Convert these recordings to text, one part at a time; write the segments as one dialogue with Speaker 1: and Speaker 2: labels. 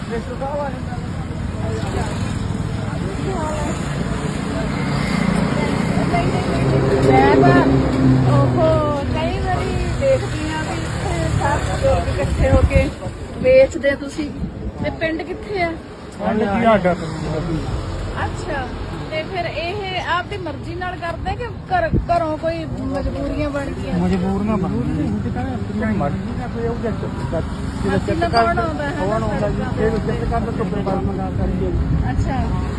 Speaker 1: ਕਈ ਵਾਰੀ ਦੇਖਦੀ ਆ ਵੀ ਇੱਥੇ ਸਾਰੇ ਲੋਕ ਇਕੱਠੇ ਹੋ ਕੇ ਵੇਚਦੇ ਤੁਸੀਂ ਤੇ ਪਿੰਡ ਕਿੱਥੇ ਆ? ਅੱਛਾ, ਤੇ ਫਿਰ ਇਹ ਆਪਦੀ ਮਰਜ਼ੀ ਨਾਲ ਕਰਦੇ ਕਿ ਘਰੋਂ ਕੋਈ ਮਜਬੂਰੀਆਂ ਬਣ ਗਈਆਂ?
Speaker 2: ਮਜਬੂਰੀਆਂ ਬਣ ਗਈਆਂ
Speaker 1: ਕੌਣ ਆਉਂਦਾ ਹੈ? ਅੱਛਾ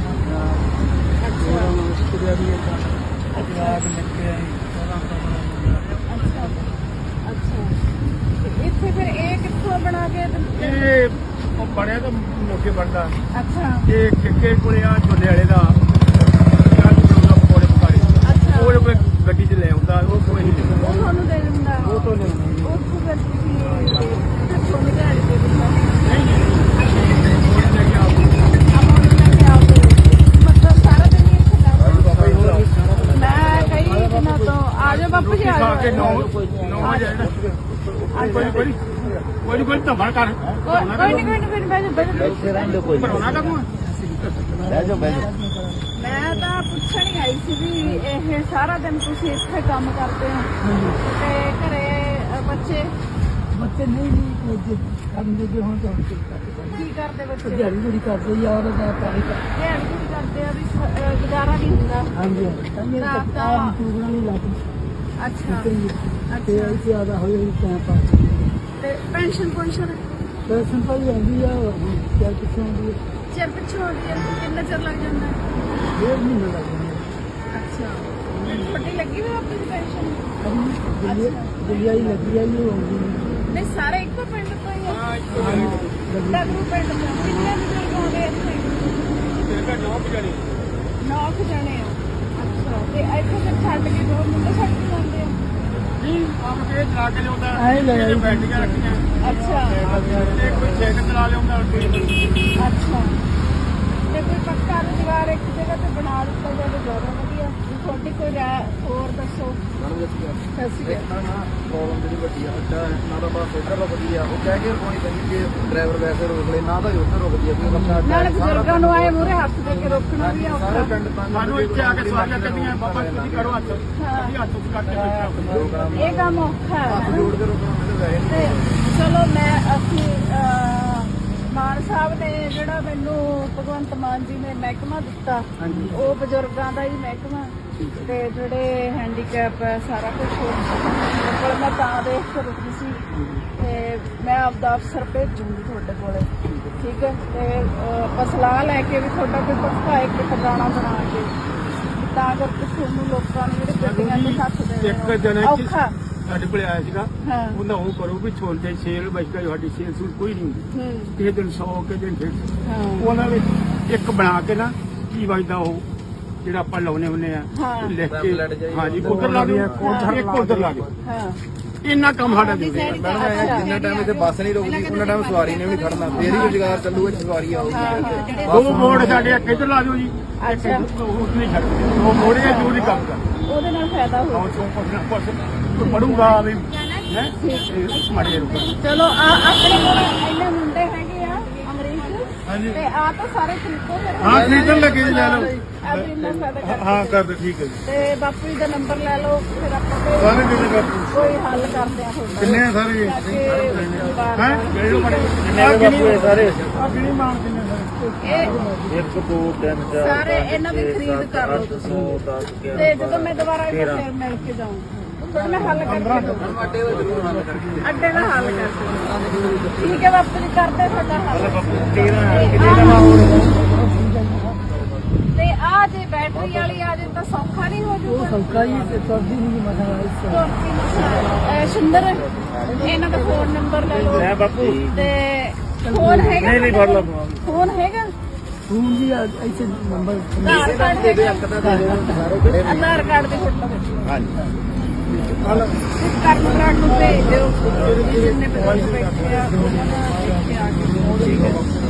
Speaker 1: ਇੱਥੇ ਫਿਰ ਇਹ ਕਿੱਥੋਂ ਬਣਾ ਕੇ
Speaker 2: ਬਣਿਆ ਤਾਂ ਮੋਕੇ ਬਣਦਾ।
Speaker 1: ਅੱਛਾ,
Speaker 2: ਇਹ ਕਿੱਕੇ ਕੋਲੇ ਆ ਝੋਲੇ ਵਾਲੇ ਦਾ ਪਕੌੜੇ ਪਕਾੜੇ ਉਹ ਕੋਈ ਗੱਡੀ 'ਚ ਲੈ ਆਉਂਦਾ, ਉਹ ਕੋਈ ਨਹੀਂ
Speaker 1: ਉਹ ਤੁਹਾਨੂੰ ਦੇ ਦਿੰਦਾ?
Speaker 2: ਉਹ ਤੋਂ ਲਿਆਉਂਦਾ
Speaker 1: ਉਹ ਫਿਰ ਤੁਸੀਂ ਤੁਹਾਨੂੰ ਦਿਹਾੜੀ ਦੇ ਦਿੰਦਾ? ਮਤਲਬ ਸਾਰਾ ਦਿਨ ਹੀ ਇੱਥੇ ਲੱਗਦਾ? ਮੈਂ ਕਈ ਦਿਨਾਂ ਤੋਂ ਆ ਜਾਓ ਬਾਪੂ ਜੀ, ਆ ਜਾਓ। ਕੋਈ ਧਮਾ ਕਰ ਕੋਈ ਨਹੀਂ ਮੈਂ ਤਾਂ ਪੁੱਛਣ ਹੀ ਆਈ ਸੀ ਵੀ ਇਹ ਸਾਰਾ ਦਿਨ ਤੁਸੀਂ ਇੱਥੇ ਕੰਮ ਕਰਦੇ ਹੋ ਤੇ ਘਰੇ ਬੱਚੇ
Speaker 3: ਨਹੀਂ ਕੰਮ ਦੇ ਹੁਣ ਤਾਂ
Speaker 1: ਕੀ ਕਰਦੇ? ਬੱਚੇ
Speaker 3: ਦਿਹਾੜੀ ਕਰਦੇ ਯਾਰ ਦਾ ਪਾਣੀ
Speaker 1: ਦਿਹਾੜੀ ਕਰਦੇ ਆ ਵੀ ਗੁਜ਼ਾਰਾ ਨਹੀਂ ਹੁੰਦਾ?
Speaker 3: ਹਾਂਜੀ ਟੂਬਣਾ ਨਹੀਂ ਲੱਗਦੀ।
Speaker 1: ਅੱਛਾ
Speaker 3: ਤੇ ਇਹ ਜ਼ਿਆਦਾ ਹੋਈ ਟਾਈਮ ਪਾਸ
Speaker 1: ਤੇ ਪੈਨਸ਼ਨ
Speaker 3: ਪੈਸੇ ਪਾਈ ਆਉਂਦੀ ਆ ਕਿਆ ਪਿੱਛੋਂ ਆਉਂਦੀ ਹੈ
Speaker 1: ਚਿਰ ਪਿੱਛੋਂ ਆਉਂਦੀ ਹੈ? ਕਿੰਨਾ ਚਿਰ ਲੱਗ ਜਾਂਦਾ?
Speaker 3: 1.5 ਮਹੀਨਾ ਲੱਗ ਜਾਂਦਾ।
Speaker 1: ਅੱਛਾ, ਵੱਡੀ ਲੱਗੀ ਹੋਈ ਆਪਣੀ ਪੈਨਸ਼ਨ?
Speaker 3: ਦਿੱਲੀ ਲੱਗੀ ਆ ਉਹ ਆਉਂਦੀ
Speaker 1: ਨਹੀਂ, ਸਾਰੇ ਇੱਕੋ ਪਿੰਡ ਤੋਂ ਹੀ ਆ? ਡਗਰੂ ਪਿੰਡ ਤੋਂ ਕਿੰਨੇ ਬਜ਼ੁਰਗ ਆਉਂਦੇ ਇੱਥੇ? 9 ਜਣੇ ਆ। ਅੱਛਾ, ਤੇ ਇੱਥੇ ਫਿਰ ਛੱਡ ਕੇ ਦੋ ਮੁੰਡੇ ਛੱਡ ਕੇ ਜਾਂਦੇ ਆ?
Speaker 2: ਬੈਠੀਆਂ ਰੱਖੀਆਂ।
Speaker 1: ਅੱਛਾ
Speaker 2: ਕੋਈ ਸਾਈਕਲ ਚਲਾ ਲਿਆਉਂਦਾ।
Speaker 1: ਅੱਛਾ, ਤੇ ਕੋਈ ਪੱਕਾ ਰੁਜ਼ਗਾਰ ਇੱਕ ਜਗ੍ਹਾ ਤੇ ਬਣਾ ਦਿੱਤਾ ਜਾਵੇ ਜ਼ਿਆਦਾ ਵਧੀਆ। ਤੁਹਾਡੀ ਕੋਈ ਰਾਏ ਹੋਰ ਦੱਸੋ।
Speaker 4: ਪ੍ਰੋਬਲਮ ਜਿਹੜੀ ਵੱਡੀ ਆ ਨਾ ਤਾਂ ਬਸ ਇੱਧਰ ਦਾ ਵਧੀਆ ਉਹ ਕਹਿ ਕੇ ਰੁਕਣੀ ਪੈਂਦੀ ਜੇ ਡਰਾਈਵਰ ਵੈਸੇ ਰੋਕ ਲੈ ਨਾ ਤਾਂ ਉੱਧਰ ਰੁਕਦੀ ਆ ਕੋਈ
Speaker 1: ਨਾਲੇ ਬਜ਼ੁਰਗਾਂ ਨੂੰ ਆਏ ਮੂਹਰੇ ਹੱਥ ਦੇ ਕੇ ਰੋਕਣਾ ਵੀ ਔਖਾ।
Speaker 4: ਸਾਰੇ ਪਿੰਡ
Speaker 2: ਸਾਨੂੰ ਇੱਥੇ ਆ ਕੇ ਸਵਾਰੀਆਂ ਕੱਢੀਆਂ, ਬਾਬਾ ਤੁਸੀਂ ਕਰੋ ਹੱਥ, ਅਸੀਂ ਹੱਥ ਉੱਤੇ ਕੱਢ ਕੇ ਬੈਠਾ।
Speaker 1: ਇਹ ਕੰਮ ਔਖਾ ਹੈ
Speaker 4: ਜੋੜ ਕੇ ਰੋਕਣਾ ਮੈਨੂੰ ਵੈਸੇ
Speaker 1: ਤੇ ਚਲੋ ਅਸੀਂ ਮਾਨ ਸਾਹਿਬ ਨੇ ਜਿਹੜਾ ਮੈਨੂੰ ਭਗਵੰਤ ਮਾਨ ਜੀ ਨੇ ਮਹਿਕਮਾ ਦਿੱਤਾ ਉਹ ਬਜ਼ੁਰਗਾਂ ਦਾ ਹੀ ਮਹਿਕਮਾ ਤੇ ਜਿਹੜੇ ਹੈਂਡੀਕੈਪ ਹੈ ਸਾਰਾ ਕੁਝ ਕੋਲ ਮੈਂ ਤਾਂ ਦੇਖ ਕੇ ਰੁਕੀ ਸੀ ਤੇ ਮੈਂ ਆਪਦਾ ਅਫਸਰ ਭੇਜੂੰਗੀ ਤੁਹਾਡੇ ਕੋਲੇ, ਠੀਕ ਹੈ? ਤੇ ਆਪਾਂ ਸਲਾਹ ਲੈ ਕੇ ਵੀ ਤੁਹਾਡਾ ਕੋਈ ਪੱਕਾ ਇੱਕ ਟਿਕਾਣਾ ਬਣਾ ਕੇ ਤਾਂ ਕਰਕੇ ਤੁਹਾਨੂੰ ਲੋਕਾਂ ਨੂੰ ਜਿਹੜੇ ਗੱਡੀਆਂ ਤੇ ਹੱਥ ਦੇਣੇ ਔਖਾ।
Speaker 2: ਸਾਡੇ ਕੋਲ ਆਇਆ ਸੀਗਾ,
Speaker 1: ਹਾਂ
Speaker 2: ਉਹਨਾਂ ਉਹ ਕਰੋ ਵੀ ਛੋਟੇ ਸੇਲ ਬਚਦਾ ਸਾਡੀ ਸੇਲ ਸੂਲ ਕੋਈ ਨਹੀਂ ਹੁੰਦੀ, ਕਿਸੇ ਦਿਨ 100 ਕਿਸੇ ਦਿਨ 150। ਉਹਨਾਂ ਵਿੱਚ ਇੱਕ ਬਣਾ ਕੇ ਨਾ ਕੀ ਵਜਦਾ ਉਹ ਜਿਹੜਾ ਆਪਾਂ ਲਾਉਨੇ ਹੁੰਦੇ ਆ ਲਿਖ ਕੇ, ਹਾਂਜੀ ਉਧਰ ਲਾ ਦਿਓ, ਇੱਕ ਉਧਰ ਲਾ ਦਿਓ। ਇੰਨਾ ਕੰਮ ਸਾਡਾ ਦੇ
Speaker 4: ਜਿੰਨਾ ਟਾਈਮ ਇੱਥੇ ਬੱਸ ਨਹੀਂ ਰੁਕਦੀ ਉਹਨਾਂ ਟਾਈਮ ਸਵਾਰੀ ਨੇ ਵੀ ਨਹੀਂ ਖੜਨਾ, ਫੇਰ ਹੀ ਰੁਜ਼ਗਾਰ ਚੱਲੂਗਾ, ਸਵਾਰੀ ਆਊਗੀ।
Speaker 2: ਦੋ ਮੋੜ ਸਾਡੇ ਇੱਧਰ ਲਾ ਦਿਓ ਜੀ,
Speaker 1: ਅੱਛਾ
Speaker 2: ਉਸ ਨਹੀਂ ਛੱਡਦੇ, ਦੋ ਮੋੜੇ ਜ਼ਰੂਰੀ ਕੰਮ ਕਰ
Speaker 1: ਉਹਦੇ ਨਾਲ ਫਾਇਦਾ ਹੋ
Speaker 2: ਪੜੂਗਾ ਵੀ ਹੈ ਮਾੜੇ ਰੁਕ।
Speaker 1: ਚਲੋ ਆਪਣੇ ਕੋਲ ਇੰਨੇ ਮੁੰਡੇ ਹੈਗੇ ਆ ਅੰਗਰੇਜ਼ ਤੇ ਆ ਤਾਂ ਸਾਰੇ ਖਰੀਦੋ ਫਿਰ।
Speaker 2: ਹਾਂ ਖਰੀਦਣ ਲੱਗੇ ਜੀ, ਲੈ ਲਓ।
Speaker 1: ਇੰਨਾ ਫਾਇਦਾ
Speaker 2: ਹਾਂ ਕਰ ਦੇ, ਠੀਕ ਹੈ ਜੀ।
Speaker 1: ਤੇ ਬਾਪੂ ਜੀ ਦਾ ਨੰਬਰ ਲੈ ਲਓ, ਫਿਰ ਆਪਾਂ
Speaker 2: ਸਾਰੇ ਕਿੰਨੇ ਬਾਪੂ
Speaker 1: ਕੋਈ ਹੱਲ ਕਰਦੇ ਆ ਤੁਹਾਡਾ।
Speaker 2: ਕਿੰਨੇ ਆ ਸਾਰੇ ਹੈ ਜਿਹੜੇ ਬੜੇ
Speaker 4: ਬਾਪੂ ਇਹ ਸਾਰੇ
Speaker 2: ਆ ਕਿਹੜੀ ਮਾਨ ਕਿੰਨੇ ਸਾਰੇ
Speaker 4: 1 2 3 4
Speaker 1: ਸਾਰੇ ਇਹਨਾਂ ਦੀ ਖਰੀਦ ਕਰ ਲਓ ਤੁਸੀਂ, ਤੇ ਜਦੋਂ ਮੈਂ ਦੁਬਾਰਾ ਇੱਥੇ ਫਿਰ ਮਿਲ ਕੇ ਜਾਊਂ ਫਿਰ ਮੈਂ ਹੱਲ ਕਰਕੇ ਦਊਂ। ਅੱਡੇ ਦਾ ਹੱਲ ਕਰਕੇ ਠੀਕ ਹੈ ਬਾਪੂ ਜੀ, ਕਰਦੇ ਤੁਹਾਡਾ ਹੱਲ। ਤੇ ਆ ਜੇ ਬੈਟਰੀ ਵਾਲੀ ਆ ਜੇ ਤਾਂ ਸੌਖਾ ਨਹੀਂ ਹੋ ਜੂਗਾ?
Speaker 3: ਸੌਕਾ ਹੀ ਤੇ ਤੁਰਦੀ ਨਹੀਂ ਮਸਲਾ
Speaker 1: ਸੁੰਦਰ ਇਹਨਾਂ ਦਾ ਫੋਨ ਨੰਬਰ ਲੈ ਲਓ
Speaker 4: ਬਾਪੂ
Speaker 1: ਤੇ ਫੋਨ ਹੈਗਾ?
Speaker 4: ਨਹੀਂ ਫੜ ਲਓ
Speaker 1: ਫੋਨ ਹੈਗਾ?
Speaker 3: ਫੋਨ ਜੀ ਇੱਥੇ ਨੰਬਰ
Speaker 1: ਆਧਾਰ ਕਾਰਡ ਹੈਗਾ? ਆਧਾਰ ਕਾਰਡ ਦੀ ਫੋਟੋ
Speaker 4: ਹਾਂਜੀ
Speaker 1: ਕਰਨ ਨੂੰ ਭੇਜ ਦਿਓ, ਜਿੰਨੇ ਬਜ਼ੁਰਗ ਬੈਠੇ ਆ ਉਹਨਾਂ ਦਾ ਇੱਥੇ ਆ ਕੇ।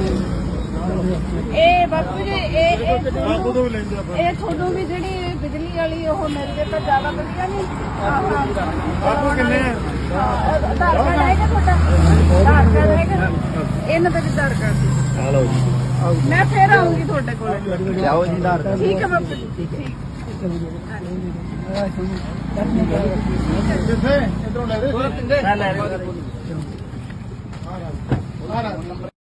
Speaker 1: ਇਹ ਬਾਪੂ ਜੀ ਇਹ ਤੁਹਾਨੂੰ ਵੀ ਜਿਹੜੀ ਬਿਜਲੀ ਵਾਲੀ ਉਹ ਮਿਲ ਜੇ ਤਾਂ ਜ਼ਿਆਦਾ ਵਧੀਆ ਨਹੀਂ?
Speaker 2: ਬਾਪੂ ਕਿੰਨੇ ਆ?
Speaker 1: ਆਧਾਰ ਕਾਰਡ ਹੈਗਾ ਤੁਹਾਡਾ? ਆਧਾਰ ਕਾਰਡ ਹੈਗਾ? ਇਹਨਾਂ ਦਾ ਵੀ ਆਧਾਰ ਕਾਰਡ ਸੀ।
Speaker 4: ਆ ਲਓ ਜੀ
Speaker 1: ਮੈਂ ਫੇਰ ਆਉਂਗੀ ਤੁਹਾਡੇ ਕੋਲ।
Speaker 4: ਲਿਆਓ ਜੀ ਆਧਾਰ ਕਾਰਡ
Speaker 1: ਠੀਕ ਹੈ ਬਾਪੂ ਜੀ ਠੀਕ ਹੈ।
Speaker 3: ਜਿੱਥੇ ਇਧਰੋਂ ਲੈ ਦੇ
Speaker 4: ਮੈਂ ਲੈ ਰਿਹਾ